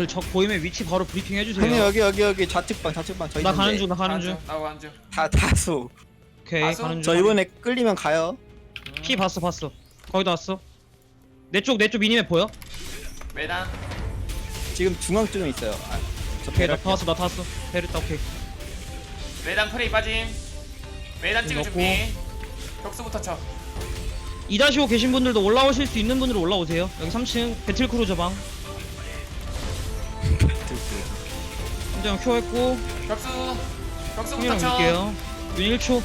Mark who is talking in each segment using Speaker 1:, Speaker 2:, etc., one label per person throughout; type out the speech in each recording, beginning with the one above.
Speaker 1: 여러분들 적 보이면 위치 바로 브리핑
Speaker 2: 형님
Speaker 1: 해주세요.
Speaker 2: 여기 좌측방 저
Speaker 1: 나
Speaker 2: 있는데
Speaker 1: 가는 중, 나 가는 중.
Speaker 3: 나고 가는 중.
Speaker 2: 다 다수
Speaker 1: 오케이,
Speaker 3: 가수?
Speaker 1: 가는
Speaker 2: 저
Speaker 1: 중.
Speaker 2: 이번에 끌리면 가요.
Speaker 1: 피 봤어. 거의 다 왔어. 내 쪽 미니맵 보여?
Speaker 3: 매단.
Speaker 2: 지금 중앙 쪽에 있어요. 저
Speaker 1: 오케이, 나
Speaker 2: 배를
Speaker 1: 다 왔어, 나 다 왔어. 베르타, 오케이.
Speaker 3: 매단 프레이 빠짐. 매단 찍을
Speaker 1: 넣고.
Speaker 3: 준비. 격수부터 쳐.
Speaker 1: 2-5 계신 분들도 올라오실 수 있는 분들은 올라오세요. 여기 3층 배틀크루저 방. 함정 큐 했고,
Speaker 3: 격수부터
Speaker 1: 형이랑
Speaker 3: 쳐.
Speaker 1: 밀게요. 윤 1초.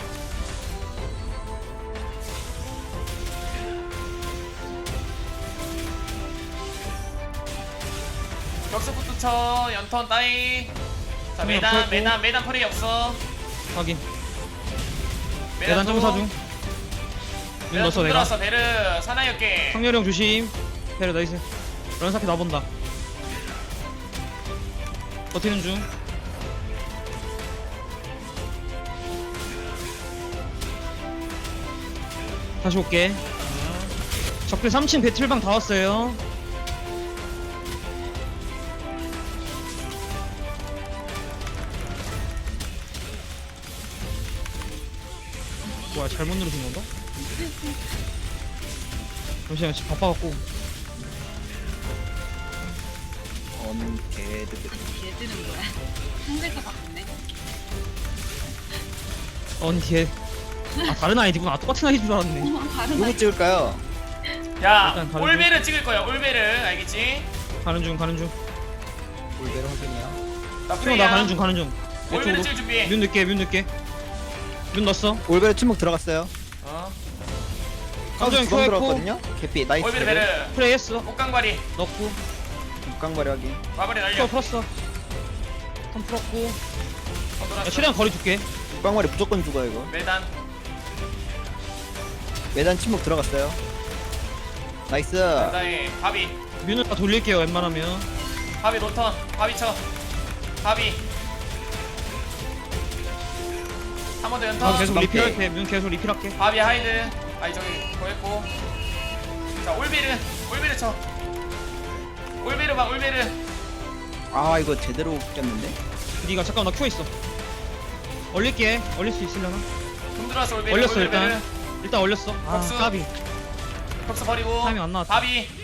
Speaker 3: 격수부터 쳐. 연턴 따이. 자
Speaker 1: 형이랑
Speaker 3: 매단
Speaker 1: 펴고.
Speaker 3: 매단 프레이 없어.
Speaker 1: 확인. 계단 점사 중. 윤
Speaker 3: 매단
Speaker 1: 넣었어,
Speaker 3: 좀
Speaker 1: 내가.
Speaker 3: 들어왔어. 베르 사나이였게.
Speaker 1: 상렬이 형 조심. 베르 나이스. 런사키 나본다. 버티는 중. 다시 올게. 적들 3층 배틀방 다 왔어요. 뭐야, 잘못 누르신 건가? 잠시만, 지금 바빠갖고.
Speaker 2: 개들
Speaker 4: 얘 뜨는 거야. 상대가 바꾸네.
Speaker 1: 언니 뒤에. 아, 다른 아이디구나. 똑같은 아이디인 줄 알았네.
Speaker 4: 다른
Speaker 2: 누구 찍을까요?
Speaker 3: 야
Speaker 1: 일단 다른
Speaker 3: 올베르 찍을 거야. 올베르 알겠지?
Speaker 1: 가는 중.
Speaker 2: 올베르 확인이야.
Speaker 3: 나
Speaker 1: 형,
Speaker 3: 프레이야.
Speaker 1: 나 가는 중.
Speaker 3: 올베르
Speaker 1: 이쪽으로.
Speaker 3: 찍을 준비.
Speaker 1: 문 늦게. 문 넣었어.
Speaker 2: 올베르 침묵 들어갔어요.
Speaker 3: 어.
Speaker 1: 함정
Speaker 2: 두방
Speaker 1: 큐 했고.
Speaker 2: 들어갔거든요. 개피 나이스.
Speaker 3: 올베르 베르.
Speaker 1: 프레이 했어.
Speaker 3: 옷깡발이.
Speaker 1: 넣고.
Speaker 2: 육강발이 확인.
Speaker 3: 마무리
Speaker 1: 큐
Speaker 3: 날려.
Speaker 1: 풀었어. 턴 풀었고. 야,
Speaker 3: 돌았어.
Speaker 1: 최대한 거리 줄게.
Speaker 2: 육강발이 무조건 죽어 이거.
Speaker 3: 매단.
Speaker 2: 매단 침묵 들어갔어요. 나이스.
Speaker 3: 그다음에 바비.
Speaker 1: 뮤는 다 돌릴게요, 웬만하면.
Speaker 3: 바비 노턴. 바비 쳐. 바비. 한 번 더
Speaker 1: 아,
Speaker 3: 연턴.
Speaker 1: 계속
Speaker 2: 방
Speaker 1: 리필할게. 뮤 계속 리필할게.
Speaker 3: 바비 하이드. 아니 저기 보였고. 자 올베르 쳐. 올베르 봐 올베르.
Speaker 2: 아 이거 제대로 꼈는데.
Speaker 1: 니가 잠깐 나 큐 있어. 얼릴게. 얼릴 수 있으려나?
Speaker 3: 돈 들어왔어 올베르.
Speaker 1: 얼렸어,
Speaker 3: 올베르.
Speaker 1: 일단. 일단 얼렸어. 아,
Speaker 3: 박수.
Speaker 1: 까비.
Speaker 3: 격수 버리고.
Speaker 1: 타이밍 안 나왔다.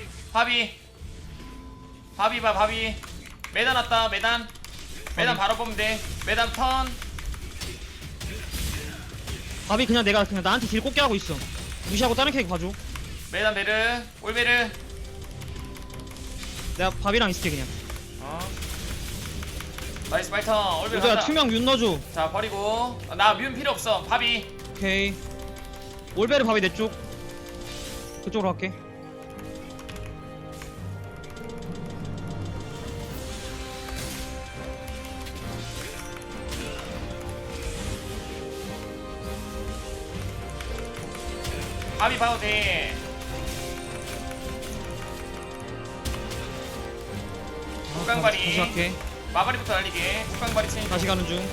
Speaker 3: 바비 봐 바비. 매단 왔다 매단. 매단 바로 보면 돼. 매단 턴.
Speaker 1: 밥이 그냥 내가 그냥 나한테 딜 꽂게 하고 있어. 무시하고 다른 캐릭 봐줘.
Speaker 3: 매단 베르. 올베르.
Speaker 1: 내가 밥이랑 있을게 그냥.
Speaker 3: 어. 나이스 파이터. 올베르
Speaker 1: 여자야
Speaker 3: 간다.
Speaker 1: 투명 윤 넣어줘.
Speaker 3: 자 버리고. 나 뮨 필요 없어. 바비.
Speaker 1: 오케이. 올베르 밥이 내 쪽. 그쪽으로 갈게.
Speaker 3: 바비 봐도 돼. 국강발이.
Speaker 1: 다시 갈게.
Speaker 3: 마바리부터 날리게. 국강발이 치니.
Speaker 1: 다시 가는 중.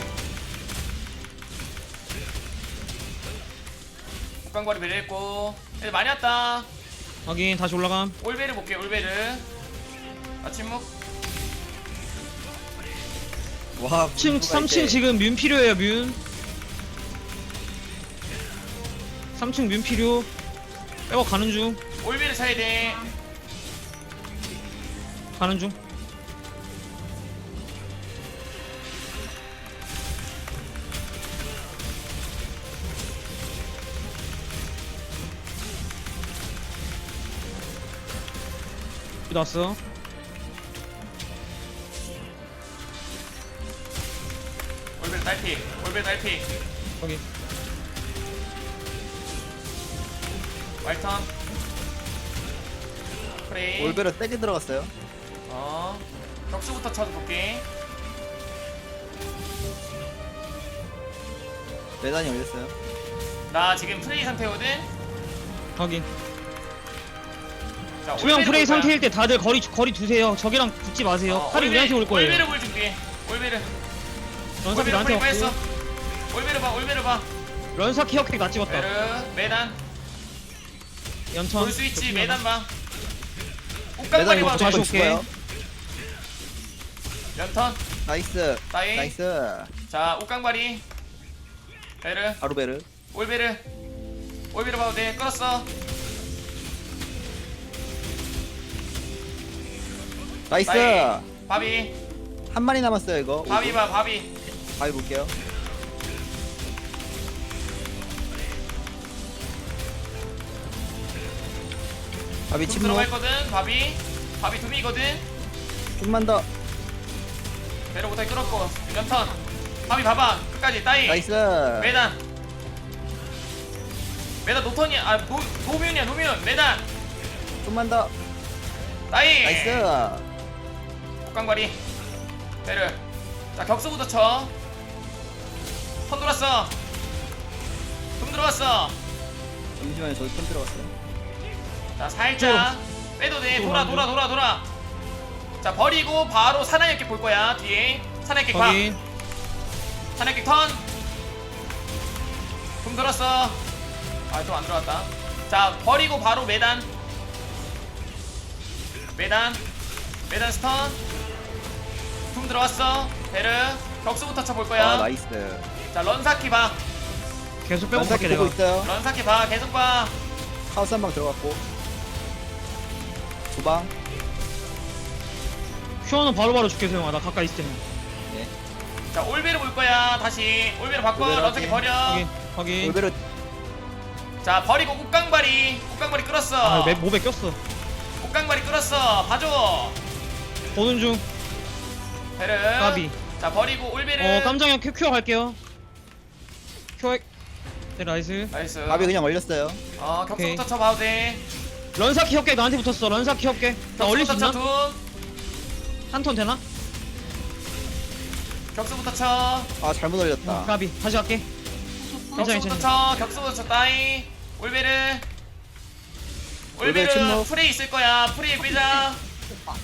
Speaker 3: 국강발이 매려했고. 애들 많이 왔다.
Speaker 1: 확인. 다시 올라감.
Speaker 3: 올베르 볼게. 올베르. 아 침묵.
Speaker 2: 와.
Speaker 1: 3층 지금 뮨 필요해요. 뮨. 3층 뮨 필요. 빼고 가는 중.
Speaker 3: 올베르 차야 돼.
Speaker 1: 가는 중. 여기 나왔어.
Speaker 3: 올베르 딸피. 올베르 딸피.
Speaker 1: 여기.
Speaker 3: 말턴. 프레이.
Speaker 2: 올베르 세게 들어갔어요.
Speaker 3: 어. 격수부터 쳐도 볼게.
Speaker 2: 매단이 올렸어요.
Speaker 3: 나 지금 프레이 상태거든.
Speaker 1: 확인.
Speaker 3: 자,
Speaker 1: 투명
Speaker 3: 올베르
Speaker 1: 프레이
Speaker 3: 볼 거야.
Speaker 1: 상태일 때 다들 거리 두세요. 적이랑 붙지 마세요. 칼이 우리한테 올 거예요.
Speaker 3: 올베르 볼 준비해. 올베르.
Speaker 1: 런사키
Speaker 3: 올베르
Speaker 1: 나한테
Speaker 3: 프레이 빠졌어.
Speaker 1: 왔고.
Speaker 3: 올베르 봐. 올베르 봐.
Speaker 1: 런사키 혁핵 나 찍었다.
Speaker 3: 베르. 매단.
Speaker 1: 연천.
Speaker 3: 볼 수 있지.
Speaker 1: 저
Speaker 3: 매단 봐.
Speaker 2: 매단
Speaker 3: 옷깡발이
Speaker 2: 이거
Speaker 3: 봐.
Speaker 1: 다시
Speaker 2: 무조건
Speaker 1: 올게.
Speaker 2: 죽어요.
Speaker 3: 연턴
Speaker 2: 나이스.
Speaker 3: 따이.
Speaker 2: 나이스.
Speaker 3: 자 옷깡발이 베르
Speaker 2: 아루베르.
Speaker 3: 올베르 봐도 돼. 끌었어.
Speaker 2: 나이스.
Speaker 3: 따이. 바비
Speaker 2: 한 마리 남았어요 이거.
Speaker 3: 바비 봐 바비.
Speaker 2: 바위 볼게요. 바위
Speaker 3: 둠
Speaker 2: 침묵.
Speaker 3: 들어가 있거든. 바비 둠이거든.
Speaker 2: 좀만 더.
Speaker 3: 베르 못하게 끌었고 연턴 바비 봐봐 끝까지 따이.
Speaker 2: 나이스.
Speaker 3: 메단 노턴이야. 아 노뮤이야 노뮤. 메단
Speaker 2: 좀만 더.
Speaker 3: 따이.
Speaker 2: 나이스.
Speaker 3: 옷깡발이 베르. 자 격수부터 쳐. 턴 돌았어. 둠 들어갔어.
Speaker 2: 잠시만요. 저기 편 들어갔어요.
Speaker 3: 자 살짝 빼도 돼. 돌아. 자 버리고 바로 사나이역기 볼 거야. 뒤에 사나이역기 봐.
Speaker 1: 확인.
Speaker 3: 사나이역기 턴. 둠 들었어. 아 좀 안 들어갔다. 자 버리고 바로 메단 스턴. 둠 들어왔어. 베르 격수부터 쳐볼 거야.
Speaker 2: 아 나이스.
Speaker 3: 자 런사키 봐.
Speaker 1: 계속 빼고
Speaker 2: 런사키
Speaker 1: 갈게
Speaker 2: 보고
Speaker 1: 내가.
Speaker 2: 있어요.
Speaker 3: 런사키 봐. 계속 봐.
Speaker 2: 하우스 한 방 들어갔고. 두 방.
Speaker 1: 큐어는 바로바로 줄게 소영아. 나 가까이 있을 때는.
Speaker 2: 네.
Speaker 3: 자 올베르 볼 거야. 다시 올베르 바꿔.
Speaker 2: 올베르
Speaker 3: 런사키
Speaker 2: 확인.
Speaker 3: 버려.
Speaker 1: 확인.
Speaker 2: 올베르.
Speaker 3: 자 버리고 옷깡발이 끌었어.
Speaker 1: 아, 몹에 꼈어.
Speaker 3: 옷깡발이 끌었어. 봐줘.
Speaker 1: 보는 중.
Speaker 3: 베르.
Speaker 1: 까비.
Speaker 3: 자 버리고 올베르.
Speaker 1: 깜장이야 큐어 갈게요. 큐어. 네 나이스.
Speaker 3: 나이스.
Speaker 2: 밥이 그냥 얼렸어요.
Speaker 3: 격수부터
Speaker 1: 오케이.
Speaker 3: 쳐봐도 돼.
Speaker 1: 런사키 협계 나한테 붙었어. 런사키 협계. 나 올릴 수
Speaker 3: 격수부터
Speaker 1: 있나?
Speaker 3: 쳐.
Speaker 1: 한 턴 되나?
Speaker 3: 격수부터 쳐.
Speaker 2: 아 잘못 얼렸다.
Speaker 1: 까비. 다시 갈게. 괜찮아
Speaker 3: 격수부터
Speaker 1: 괜찮아.
Speaker 3: 쳐. 격수부터 쳐. 따이. 올베르.
Speaker 2: 올베르 침묵.
Speaker 3: 프레이 있을 거야. 프레이 빼자.
Speaker 4: 오빠.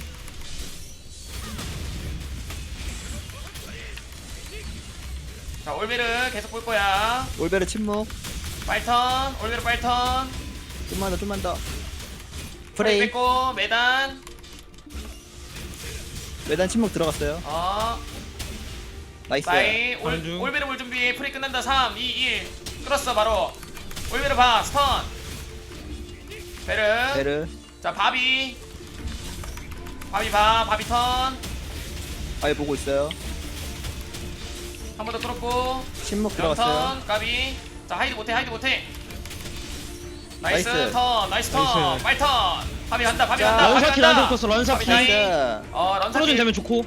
Speaker 3: 자 올베르 계속 볼 거야.
Speaker 2: 올베르 침묵.
Speaker 3: 빨턴. 올베르 빨턴.
Speaker 2: 좀만 더.
Speaker 3: 프레이
Speaker 2: 프레이.
Speaker 3: 뺐고 매단.
Speaker 2: 외단 침묵 들어갔어요. 나이스.
Speaker 3: 따이.
Speaker 1: 가는 중.
Speaker 3: 올베르 볼 준비. 프레이 끝난다. 3 2 1 끌었어 바로. 올베르 봐. 스턴. 베르.
Speaker 2: 베르.
Speaker 3: 자 바비 봐. 바비 턴.
Speaker 2: 바위 보고 있어요.
Speaker 3: 한 번 더 끌었고.
Speaker 2: 침묵 들어갔어요.
Speaker 3: 연턴 까비. 자 하이드 못해. 나이스
Speaker 2: 나이스.
Speaker 3: 턴. 나이스 턴.
Speaker 1: 나이스.
Speaker 3: 빨턴. 바비 간다. 바비
Speaker 2: 자,
Speaker 3: 간다.
Speaker 1: 런사키 나한테 붙었어. 런사키.
Speaker 3: 나이스.
Speaker 2: 나이스.
Speaker 3: 런사키.
Speaker 1: 프로즌 되면 좋고.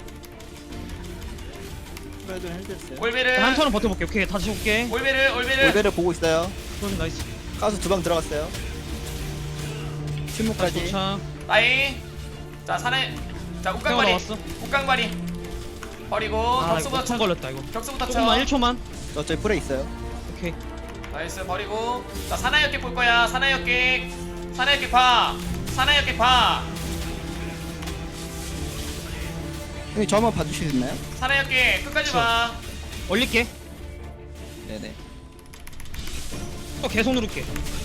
Speaker 2: 그래도 헬드했어요.
Speaker 3: 올베르.
Speaker 1: 한 턴은 버텨볼게. 오케이 다시 볼게.
Speaker 3: 올베르.
Speaker 2: 올베르 보고 있어요.
Speaker 1: 프로즌 나이스.
Speaker 2: 가수 두 방 들어갔어요.
Speaker 1: 다시
Speaker 2: 침묵까지.
Speaker 1: 도착.
Speaker 3: 따이. 자 사내. 자
Speaker 1: 태워
Speaker 3: 옷깡발이.
Speaker 1: 나왔어.
Speaker 3: 옷깡발이. 버리고
Speaker 1: 아 이거
Speaker 3: 격수부터
Speaker 1: 턴
Speaker 3: 쳐.
Speaker 1: 걸렸다 이거.
Speaker 3: 격수부터 쳐.
Speaker 1: 조금만 1초만.
Speaker 2: 저쪽에 프레이 있어요.
Speaker 1: 오케이.
Speaker 3: 나이스 버리고. 자 사나이역객 볼 거야. 사나이역객 봐. 사나이역객 봐.
Speaker 2: 형님 저 한번 봐주시겠나요?
Speaker 3: 사나이역객 끝까지
Speaker 1: 그쵸.
Speaker 3: 봐.
Speaker 1: 올릴게.
Speaker 2: 네네.
Speaker 1: 또 계속 누를게.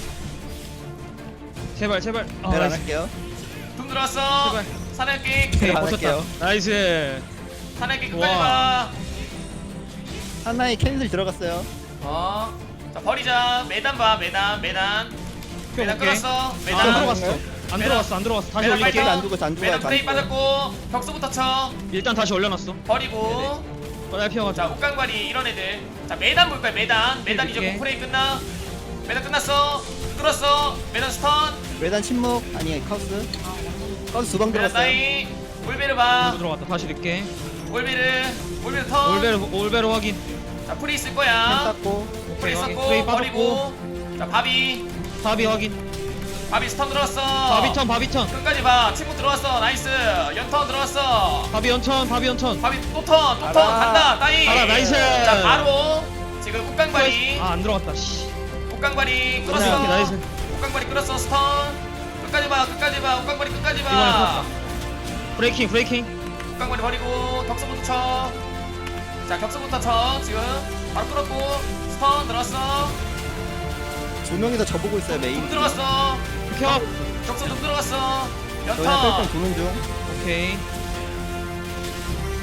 Speaker 1: 제발. 아,
Speaker 2: 네, 안
Speaker 1: 나이스.
Speaker 2: 할게요.
Speaker 3: 둠 들어왔어.
Speaker 1: 제발.
Speaker 3: 사나이역객.
Speaker 1: 오케이
Speaker 2: 안
Speaker 1: 버텼다.
Speaker 2: 할게요.
Speaker 1: 나이스.
Speaker 3: 사나이역객 끝까지
Speaker 1: 와.
Speaker 3: 봐.
Speaker 2: 하나의 캔슬 들어갔어요.
Speaker 3: 자 버리자. 매단 봐. 매단
Speaker 1: 볼게.
Speaker 3: 끌었어.
Speaker 1: 안
Speaker 3: 매단
Speaker 1: 들어갔어. 안
Speaker 3: 매단.
Speaker 1: 들어갔어. 다시
Speaker 3: 매단
Speaker 1: 올릴게.
Speaker 3: 빨리
Speaker 2: 안 죽었어, 안 죽어요,
Speaker 3: 매단
Speaker 2: 안
Speaker 3: 프레이
Speaker 2: 죽어요.
Speaker 3: 빠졌고. 격수부터 쳐.
Speaker 1: 일단 다시 올려놨어.
Speaker 3: 버리고.
Speaker 1: 빨리 피워가지고.
Speaker 3: 자 옷깡발이 이런 애들. 자 매단 볼 거야. 매단 이제
Speaker 1: 이렇게.
Speaker 3: 공프레이 끝나. 매단 끝났어. 끌었어. 매단 스턴.
Speaker 2: 외단 침묵. 아니 카우스. 카우스 두 방
Speaker 3: 매단
Speaker 2: 들어갔어요.
Speaker 3: 따이. 올베르 봐.
Speaker 1: 또 들어갔다. 다시 넣게.
Speaker 3: 올베르 턴.
Speaker 1: 올베르 확인.
Speaker 3: 자 프리 있을
Speaker 2: 캔
Speaker 3: 거야.
Speaker 2: 땄고.
Speaker 3: 프리
Speaker 1: 확인.
Speaker 3: 있었고
Speaker 1: 프레이
Speaker 3: 버리고. 자 바비
Speaker 1: 바비 확인.
Speaker 3: 스턴 들어왔어.
Speaker 1: 바비턴.
Speaker 3: 끝까지 봐. 침묵 들어왔어. 나이스. 연턴 들어왔어.
Speaker 1: 바비 연턴.
Speaker 3: 바비 또 턴
Speaker 2: 알아.
Speaker 3: 간다. 따이.
Speaker 1: 알아, 나이스.
Speaker 3: 자 바로 지금 옷깡발이
Speaker 1: 안 들어갔다. 씨.
Speaker 3: 옷깡발이
Speaker 1: 오케이,
Speaker 3: 끌었어.
Speaker 1: 나이스.
Speaker 3: 옷깡발이 끌었어. 스턴. 끝까지 봐. 옷깡발이 끝까지
Speaker 1: 이번에
Speaker 3: 봐.
Speaker 1: 컸다. 브레이킹.
Speaker 3: 옷깡발이 버리고 격수부터 쳐. 자 격수부터 쳐. 지금 바로 끌었고 스턴 들어왔어.
Speaker 2: 두 명이 다 저보고 있어요 메인.
Speaker 3: 둠 들어갔어.
Speaker 1: 켜.
Speaker 3: 격수 둠 들어갔어.
Speaker 2: 저희는 뺄땐
Speaker 3: 연턴.
Speaker 2: 도는 중.
Speaker 1: 오케이.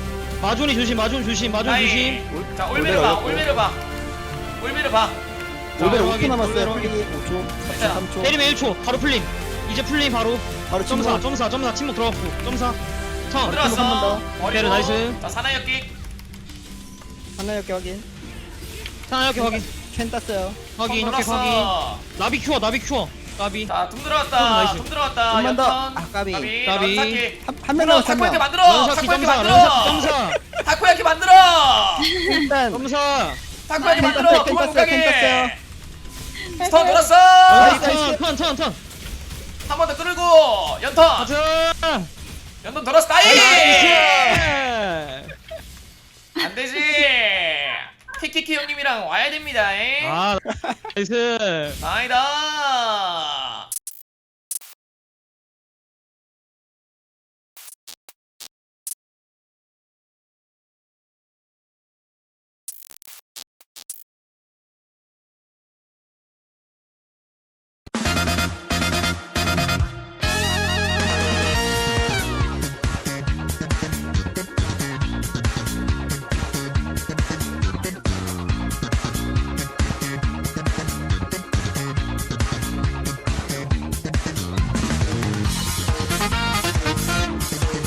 Speaker 1: 마존이 조심 마존 조심 마존 조심.
Speaker 3: 자 올베르 봐
Speaker 2: 올베르
Speaker 3: 올베르 봐 올베르 봐
Speaker 2: 올베르
Speaker 1: 확인,
Speaker 2: 5초 남았어요.
Speaker 1: 올베르
Speaker 2: 풀리 5초,
Speaker 3: 괜찮아.
Speaker 2: 3초.
Speaker 1: 때리면 1초 바로 풀림. 이제 풀림 바로.
Speaker 2: 바로
Speaker 1: 점사
Speaker 2: 침묵.
Speaker 1: 점사 침묵 들어갔고 점사. 턴.
Speaker 3: 들어왔어
Speaker 2: 한번 더.
Speaker 3: 버리고
Speaker 1: 오케이, 나이스.
Speaker 3: 자 사나이역기
Speaker 2: 하나 이렇게 확인.
Speaker 1: 자 이렇게 확인
Speaker 2: 캔 땄어요.
Speaker 1: 확인 이렇게 확인. 나비 큐어 나비 큐어. 나비.
Speaker 3: 자둠
Speaker 1: 좀
Speaker 3: 들어왔다
Speaker 1: 나이스.
Speaker 3: 둠 들어왔다
Speaker 2: 좀만 더.
Speaker 3: 연턴
Speaker 2: 아, 까비.
Speaker 3: 까비
Speaker 1: 까비.
Speaker 3: 런사키
Speaker 2: 한명 남았어. 한
Speaker 3: 타코야키
Speaker 2: 명.
Speaker 3: 만들어
Speaker 1: 런사키
Speaker 3: 타코야키
Speaker 1: 점사
Speaker 3: 만들어
Speaker 1: 런사키 점사.
Speaker 3: 타코야키 만들어
Speaker 2: 일단
Speaker 1: 점사.
Speaker 3: 타코야키
Speaker 2: 캔
Speaker 3: 만들어
Speaker 2: 땄어요.
Speaker 3: 그만
Speaker 2: 캔 땄어요. 캔
Speaker 3: 못가게
Speaker 2: 땄어요.
Speaker 3: 스턴 돌았어
Speaker 2: 나이스.
Speaker 1: 턴.
Speaker 3: 한 번 더 끌고 연턴
Speaker 1: 가자.
Speaker 3: 연턴 돌았어 나이
Speaker 1: 나이스.
Speaker 3: 안되지 키키키 형님이랑 와야 됩니다 에?
Speaker 1: 아 나이스.
Speaker 3: 아니다